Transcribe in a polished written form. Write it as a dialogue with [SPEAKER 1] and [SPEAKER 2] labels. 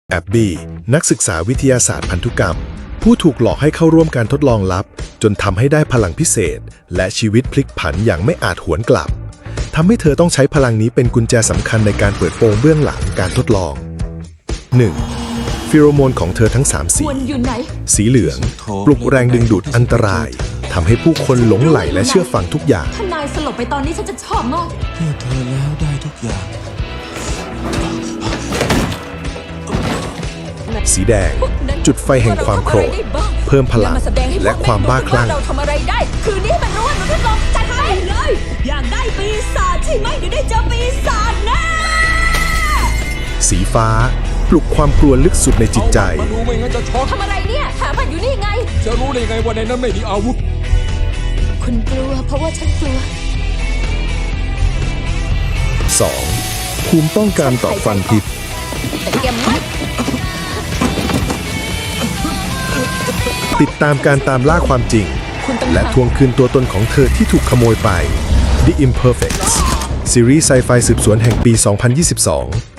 [SPEAKER 1] แอบบี้นักศึกษาวิทยาศาสตร์พันธุกรรม ผู้ถูกหลอกให้เข้าร่วมการทดลองลับจนทำให้ได้พลังพิเศษและชีวิตพลิกผันอย่างไม่อาจหวนกลับทำให้เธอต้องใช้พลังนี้เป็นกุญแจสำคัญในการเปิดโปงเบื้องหลังการทดลอง 1. ฟิโรโมนของเธอทั้ง3สีสีเหลืองปลุกแรงดึงดูดอันตรายทำให้ผู้คนหลงไหลและเชื่อฟังทุกอย่าง
[SPEAKER 2] ถ้านายสลบไปตอนนี้ฉันจะชอบมาก
[SPEAKER 3] เพื่อเธอแล้วได้ทุกอย่าง
[SPEAKER 1] สีแดงจุดไฟแห่งความโกรธเพิ่มพลังและความบ้าคลั่ง
[SPEAKER 2] เราทำอะไรได้คืนนี้มันรู้ว่าหนูทดลองจัดไปเลยอยากได้ปีศาจใช่ไหมเดี๋ยวได้เจอปีศาจแน่
[SPEAKER 1] สีฟ้าปลุกความกลัวลึกสุดในจิตใจ
[SPEAKER 3] มาดูไม่งั้นจะช็อก
[SPEAKER 2] ทำอะไรเนี่ยหามันอยู่นี่ไง
[SPEAKER 3] จะรู้ได้ไงว่าในนั้นไม่มีอาวุธ
[SPEAKER 2] คุณกลัวเพราะว่าฉันกลัว
[SPEAKER 1] 2. ภูมิป้องกันต่อฟันพิษ
[SPEAKER 2] แต่แกไม่
[SPEAKER 1] ติดตามการตามล่าความจริงและทวงคืนตัวตนของเธอที่ถูกขโมยไป The Imperfects ซีรีส์ไซไฟสืบสวนแห่งปี 2022